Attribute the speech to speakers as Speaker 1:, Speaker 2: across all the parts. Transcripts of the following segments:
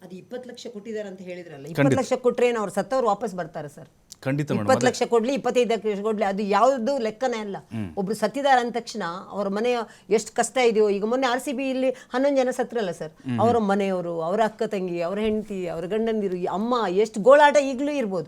Speaker 1: ಅದು 20 ಲಕ್ಷ ಕೊಟ್ಟಿದ್ದಾರೆ ಅಂತ ಹೇಳಿದ್ರಲ್ಲ, 20 ಲಕ್ಷ ಕೊಟ್ರೆ ಏನು ಅವ್ರು ಸತ್ತವ್ರು ವಾಪಸ್ ಬರ್ತಾರೆ ಸರ್?
Speaker 2: ಖಂಡಿತ
Speaker 1: 20 ಲಕ್ಷ ಕೊಡ್ಲಿ 25 ಲಕ್ಷ ಕೊಡ್ಲಿ ಅದು ಯಾವುದು ಲೆಕ್ಕನೇ ಅಲ್ಲ. ಒಬ್ರು ಸತ್ತಿದ್ದಾರೆ ಅಂದ ತಕ್ಷಣ ಅವ್ರ ಮನೆಯ ಎಷ್ಟು ಕಷ್ಟ ಇದೆಯೋ, ಈಗ ಮೊನ್ನೆ RCB ಇಲ್ಲಿ 11 ಜನ ಸತ್ರಲ್ಲ ಸರ್, ಅವರ ಮನೆಯವರು, ಅವರ ಅಕ್ಕ ತಂಗಿ, ಅವರ ಹೆಂಡತಿ, ಅವರ ಗಂಡಂದಿರು, ಅಮ್ಮ, ಎಷ್ಟು ಗೋಳಾಟ ಈಗಲೂ ಇರ್ಬೋದು.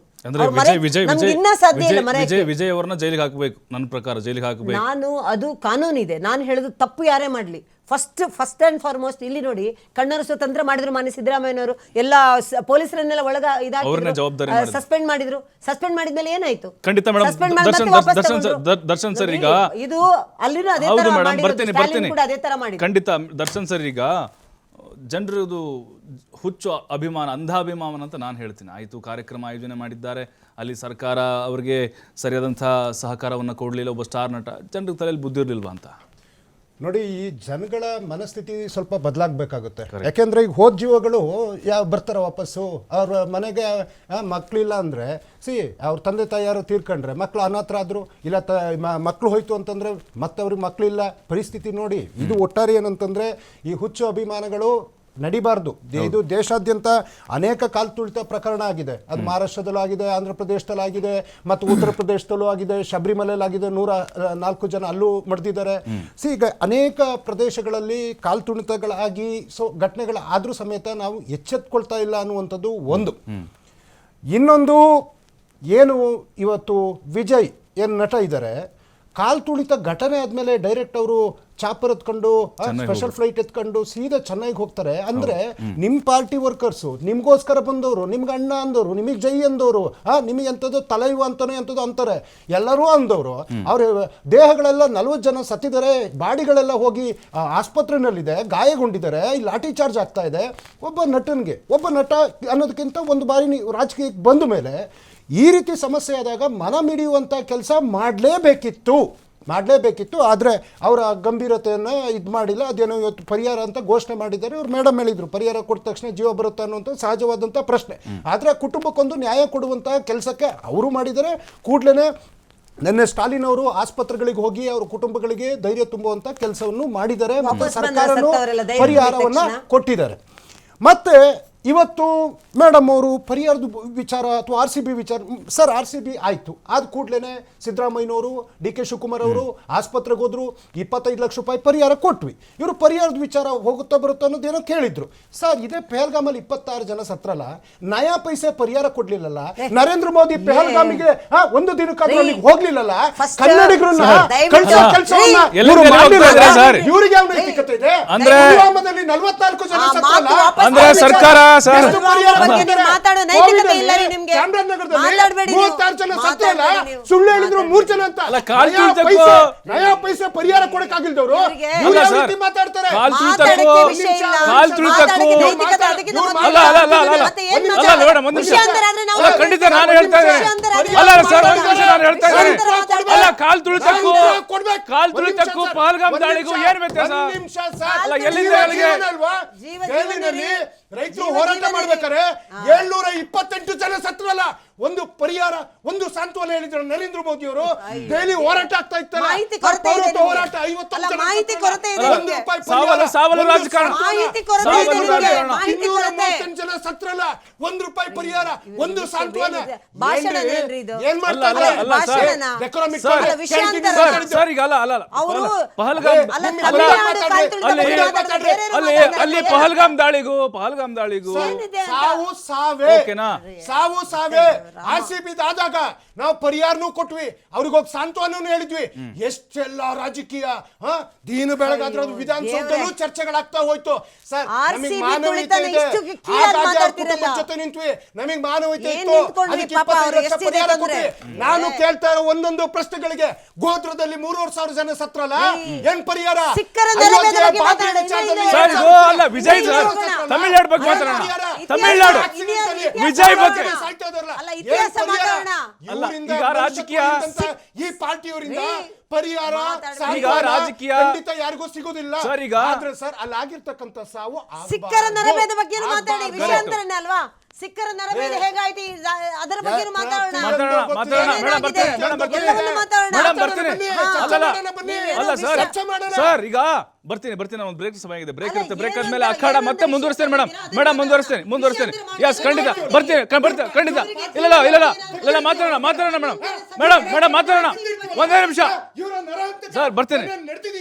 Speaker 2: ವಿಜಯ್ ಅವರನ್ನ ಜೈಲಿಗೆ ಹಾಕಬೇಕು, ನನ್ನ ಪ್ರಕಾರ ಜೈಲಿಗೆ ಹಾಕಬೇಕು.
Speaker 1: ನಾನು ಅದು ಕಾನೂನಿದೆ, ನಾನು ಹೇಳೋದು ತಪ್ಪು ಯಾರೇ ಮಾಡ್ಲಿ, ಫಸ್ಟ್ ಅಂಡ್ ಫಾರ್ಮೋಸ್ಟ್ ಇಲ್ಲಿ ನೋಡಿ, ಕಣ್ಣರು ಸ್ವತಂತ್ರ ಮಾಡಿದ್ರು ಮಾನ್ಯ ಸಿದ್ದರಾಮಯ್ಯನವರು, ಎಲ್ಲ ಪೊಲೀಸರನ್ನೆಲ್ಲ ಒಳಗ ಸಸ್ಪೆಂಡ್ ಮಾಡಿದ್ರು. ಸಸ್ಪೆಂಡ್ ಮಾಡಿದ್ಮೇಲೆ ಏನಾಯ್ತು?
Speaker 2: ಖಂಡಿತ ಮೇಡಮ್, ದರ್ಶನ್ ಸರ್ ಈಗ
Speaker 1: ಇದು ಅಲ್ಲಿನೂ ಅದೇ ತರ ಮಾಡಿ.
Speaker 2: ಖಂಡಿತ ದರ್ಶನ್ ಸರ್ ಈಗ ಜನರದು ಹುಚ್ಚು ಅಭಿಮಾನ, ಅಂಧಾಭಿಮಾನ ಅಂತ ನಾನು ಹೇಳ್ತೀನಿ. ಆಯಿತು, ಕಾರ್ಯಕ್ರಮ ಆಯೋಜನೆ ಮಾಡಿದ್ದಾರೆ, ಅಲ್ಲಿ ಸರ್ಕಾರ ಅವರಿಗೆ ಸರಿಯಾದಂಥ ಸಹಕಾರವನ್ನು ಕೊಡಲಿಲ್ಲ, ಒಬ್ಬ ಸ್ಟಾರ್ ನಟ, ಜನರಿಗೆ ತಲೆಯಲ್ಲಿ ಬುದ್ಧಿ ಇರಲಿಲ್ವಾ ಅಂತ
Speaker 3: ನೋಡಿ. ಈ ಜನಗಳ ಮನಸ್ಥಿತಿ ಸ್ವಲ್ಪ ಬದಲಾಗಬೇಕಾಗುತ್ತೆ. ಯಾಕೆಂದ್ರೆ ಈಗ ಹೋದ ಜೀವಗಳು ಬರ್ತಾರೆ ವಾಪಸ್ಸು, ಅವ್ರ ಮನೆಗೆ ಮಕ್ಕಳಿಲ್ಲ ಅಂದರೆ ಅವ್ರ ತಂದೆ ತಾಯಿ ಯಾರು ತೀರ್ಕೊಂಡ್ರೆ, ಮಕ್ಕಳು ಅನಾಥರಾದ್ರು, ಇಲ್ಲ ಮಕ್ಕಳು ಹೋಯ್ತು ಅಂತಂದರೆ ಮತ್ತೆ ಅವ್ರಿಗೆ ಮಕ್ಕಳಿಲ್ಲ, ಪರಿಸ್ಥಿತಿ ನೋಡಿ. ಇದು ಒಟ್ಟಾರೆ ಏನಂತಂದರೆ ಈ ಹುಚ್ಚು ಅಭಿಮಾನಗಳು ನಡಿಬಾರ್ದು. ಇದು ದೇಶಾದ್ಯಂತ ಅನೇಕ ಕಾಲ್ ತುಳಿತ ಪ್ರಕರಣ ಆಗಿದೆ. ಅದು ಮಹಾರಾಷ್ಟ್ರದಲ್ಲೂ ಆಗಿದೆ, ಆಂಧ್ರ ಪ್ರದೇಶದಲ್ಲೂ ಆಗಿದೆ, ಮತ್ತು ಉತ್ತರ ಪ್ರದೇಶದಲ್ಲೂ ಆಗಿದೆ, ಶಬರಿಮಲೆಯಲ್ಲಿ ಆಗಿದೆ, 104 ಜನ ಅಲ್ಲೂ ಮಡ್ದಿದ್ದಾರೆ. ಈಗ ಅನೇಕ ಪ್ರದೇಶಗಳಲ್ಲಿ ಕಾಲ್ ತುಳಿತಗಳಾಗಿ ಘಟನೆಗಳಾದರೂ ಸಮೇತ ನಾವು ಎಚ್ಚೆತ್ಕೊಳ್ತಾ ಇಲ್ಲ ಅನ್ನುವಂಥದ್ದು ಒಂದು. ಇನ್ನೊಂದು ಏನು, ಇವತ್ತು ವಿಜಯ್ ಏನು ನಟ ಇದ್ದಾರೆ, ಕಾಲ್ ತುಳಿತ ಘಟನೆ ಆದಮೇಲೆ ಡೈರೆಕ್ಟ್ ಅವರು ಚಾಪರ್ ಎತ್ಕೊಂಡು, ಸ್ಪೆಷಲ್ ಫ್ಲೈಟ್ ಎತ್ಕೊಂಡು ಸೀದಾ ಚೆನ್ನೈಗೆ ಹೋಗ್ತಾರೆ. ಅಂದ್ರೆ ನಿಮ್ಮ ಪಾರ್ಟಿ ವರ್ಕರ್ಸು, ನಿಮ್ಗೋಸ್ಕರ ಬಂದವರು, ನಿಮ್ಗೆ ಅಣ್ಣ ಅಂದವರು, ನಿಮಗೆ ಜೈ ಅಂದವರು, ನಿಮಗೆ ಎಂಥದ್ದು ತಲೈವ ಅಂತಾನೆ ಎಂಥದ್ದು ಅಂತಾರೆ, ಎಲ್ಲರೂ ಅಂದವರು. ಅವ್ರ ದೇಹಗಳೆಲ್ಲ 40 ಜನ ಸತ್ತಿದ್ದಾರೆ, ಬಾಡಿಗಳೆಲ್ಲ ಹೋಗಿ ಆಸ್ಪತ್ರೆನಲ್ಲಿದೆ, ಗಾಯಗೊಂಡಿದ್ದಾರೆ, ಇಲ್ಲಿ ಲಾಠಿ ಚಾರ್ಜ್ ಆಗ್ತಾ ಇದೆ. ಒಬ್ಬ ನಟ ಅನ್ನೋದಕ್ಕಿಂತ ಒಂದು ಬಾರಿ ರಾಜಕೀಯಕ್ಕೆ ಬಂದ ಮೇಲೆ ಈ ರೀತಿ ಸಮಸ್ಯೆ ಆದಾಗ ಮನ ಮಿಡಿಯುವಂಥ ಕೆಲಸ ಮಾಡಲೇಬೇಕಿತ್ತು. ಆದರೆ ಅವರ ಗಂಭೀರತೆಯನ್ನು ಇದು ಮಾಡಿಲ್ಲ. ಅದೇನೋ ಇವತ್ತು ಪರಿಹಾರ ಅಂತ ಘೋಷಣೆ ಮಾಡಿದ್ದಾರೆ. ಇವ್ರು ಮೇಡಮ್ ಹೇಳಿದ್ರು ಪರಿಹಾರ ಕೊಟ್ಟ ತಕ್ಷಣ ಜೀವ ಬರುತ್ತೆ ಅನ್ನುವಂಥ ಸಹಜವಾದಂಥ ಪ್ರಶ್ನೆ. ಆದರೆ ಕುಟುಂಬಕ್ಕೊಂದು ನ್ಯಾಯ ಕೊಡುವಂಥ ಕೆಲಸಕ್ಕೆ ಅವರು ಮಾಡಿದ್ದಾರೆ. ಕೂಡಲೇ ನಿನ್ನೆ ಸ್ಟಾಲಿನ್ ಅವರು ಆಸ್ಪತ್ರೆಗಳಿಗೆ ಹೋಗಿ ಅವ್ರ ಕುಟುಂಬಗಳಿಗೆ ಧೈರ್ಯ ತುಂಬುವಂಥ ಕೆಲಸವನ್ನು ಮಾಡಿದ್ದಾರೆ, ಮತ್ತು ಸರ್ಕಾರನೂ ಪರಿಹಾರವನ್ನು ಕೊಟ್ಟಿದ್ದಾರೆ. ಮತ್ತೆ ಇವತ್ತು ಮೇಡಮ್ ಅವರು ಪರಿಹಾರದ ವಿಚಾರ ಅಥವಾ RCB ವಿಚಾರ, ಸರ್ RCB ಆಯಿತು, ಆದ ಕೂಡಲೇ ಸಿದ್ದರಾಮಯ್ಯನವರು, DK ಶಿವಕುಮಾರ್ ಅವರು ಆಸ್ಪತ್ರೆಗೆ ಹೋದ್ರು, 25 ಲಕ್ಷ ರೂಪಾಯಿ ಪರಿಹಾರ ಕೊಟ್ವಿ. ಇವರು ಪರಿಹಾರದ ವಿಚಾರ ಹೋಗುತ್ತಾ ಬರುತ್ತೋ ಅನ್ನೋದೇನೋ ಕೇಳಿದ್ರು. ಸರ್ ಇದೇ ಪೆಹಲ್ಗಾಮಲ್ಲಿ 26 ಜನ ಸತ್ರಲ್ಲ, ನಯಾ ಪೈಸೆ ಪರಿಹಾರ ಕೊಡ್ಲಿಲ್ಲಲ್ಲ. ನರೇಂದ್ರ ಮೋದಿ ಪೆಹಲ್ಗಾಮಿಗೆ ಒಂದು ದಿನಕ್ಕಾದ್ರೂ ಅಲ್ಲಿಗೆ ಹೋಗ್ಲಿಲ್ಲಲ್ಲ. ಕನ್ನಡಿಗರನ್ನ ಇವರಿಗೆ ಯಾವ ನೈತಿಕತೆ ಇದೆ? ಪುಲ್ವಾಮಾದಲ್ಲಿ 44 ಜನ ಸತ್ರಲ್ಲ,
Speaker 2: ಅಂದ್ರೆ ಸರ್ಕಾರ
Speaker 3: ಸುಳ್ಳು ಹೇಳಿದ್ರು 3 ಜನ ಅಂತ, ನಯಾ ಪೈಸೆ ಪರಿಹಾರ ಕೊಡಕ್ಕಾಗಿಲ್ದವರು ಮಾತಾಡ್ತಾರೆ.
Speaker 2: ಖಂಡಿತ ನಾನು ಹೇಳ್ತಾ ಕಾಲ್ ತುಳಿತಕ್ಕೂ ಪಹಲ್ಗಾಮ್ ದಾಳಿಗೂ ಏನ್ ವ್ಯತ್ಯಾಸ?
Speaker 3: ರೈತರು ಹೋರಾಟ ಮಾಡ್ಬೇಕಾರೆ 728 ಜನ ಸತ್ರಲ್ಲ, ಒಂದು ಪರಿಹಾರ, ಒಂದು ಸಾಂತ್ವನ ಹೇಳಿದ್ರು ನರೇಂದ್ರ ಮೋದಿ ಅವರು. ಡೈಲಿ ಹೋರಾಟ ಆಗ್ತಾ ಇತ್ತಲ್ಲ, ಹೋರಾಟ 51 ಜನ, 230 ಜನ ಸತ್ರಲ್ಲ, ₹1 ಪರಿಹಾರ, ಒಂದು ಸಾಂತ್ವನ. ಏನ್ ಮಾಡ್ತಾರೆ?
Speaker 2: ಪಹಲ್ಗಾಮ್ ದಾಳಿಗೂ
Speaker 3: ಸಾವು ಸಾವೇ. RCB ಆದಾಗ ನಾವು ಪರಿಹಾರನೂ ಕೊಟ್ವಿ, ಅವ್ರಿಗೋಗಿ ಸಾಂತ್ವನೂ ಹೇಳಿದ್ವಿ. ಎಷ್ಟೆಲ್ಲ ರಾಜಕೀಯ ದೀನು ಬೆಳಗಾದ್ರೆ ಅದು ವಿಧಾನಸೌಧದಲ್ಲೂ ಚರ್ಚೆಗಳಾಗ್ತಾ ಹೋಯ್ತು. ಸರ್ ನಮಗೆ ಮಾನವೀಯತೆ ಇದೆ, ಕುಟುಂಬದ ಜೊತೆ ನಿಂತ್ವಿ, ನಮಗೆ ಮಾನವೀಯತೆ ಇತ್ತು, ಅದಕ್ಕೆ 25 ಲಕ್ಷ ಪರಿಹಾರ ಕೊಟ್ವಿ. ನಾನು ಕೇಳ್ತಾ ಇರೋ ಒಂದೊಂದು ಪ್ರಶ್ನೆಗಳಿಗೆ, ಗೋತ್ರದಲ್ಲಿ 3,500 ಜನ ಸತ್ರಲ್ಲ, ಏನ್ ಪರಿಹಾರ?
Speaker 2: ತಮಿಳ್ನಾಡು ಬಗ್ಗೆ ಮಾತಾಡೋಣ. ತಮಿಳ್ನಾಡು ವಿಜಯ್ ಬಗ್ಗೆ ಈಗ ರಾಜಕೀಯ
Speaker 3: ಈ ಪಾರ್ಟಿಯವರಿಂದ ಪರಿಹಾರ ರಾಜಕೀಯ ಖಂಡಿತ ಯಾರಿಗೂ ಸಿಗೋದಿಲ್ಲ. ಆದ್ರೆ ಸರ್ ಅಲ್ಲಿ ಆಗಿರ್ತಕ್ಕಂಥ ಸಾವು
Speaker 1: ಸಿಕ್ಕರ ನರಮೇಧ ಬಗ್ಗೆ ಮಾತಾಡಿ, ವಿಷಯಾಂತರನೇ ಅಲ್ವಾ? ಸಿಕ್ಕರ ನರಮೇಧ ಹೇಗಾಯ್ತು ಅದರ ಬಗ್ಗೆ ಮಾತಾಡೋಣ.
Speaker 2: ಅಲ್ಲ ಸರ್ ಈಗ ಬರ್ತೀನಿ ಒಂದು ಬ್ರೇಕ್ ಸಮಯ ಆಗಿದೆ. ಬ್ರೇಕ್ ಇರುತ್ತೆ. ಬ್ರೇಕ್ ಆದ್ಮೇಲೆ ಅಖಾಡ ಮತ್ತೆ ಮುಂದುವರಿಸ್ತೇನೆ ಮೇಡಮ್ ಮುಂದುವರಿಸ್ತೇನೆ. ಎಸ್ ಖಂಡಿತ ಬರ್ತೀನಿ ಖಂಡಿತ. ಇಲ್ಲ ಮಾತಾಡೋಣ ಮೇಡಮ್ ಮಾತಾಡೋಣ ಒಂದೇ ನಿಮಿಷ ಸರ್ ಬರ್ತೀನಿ.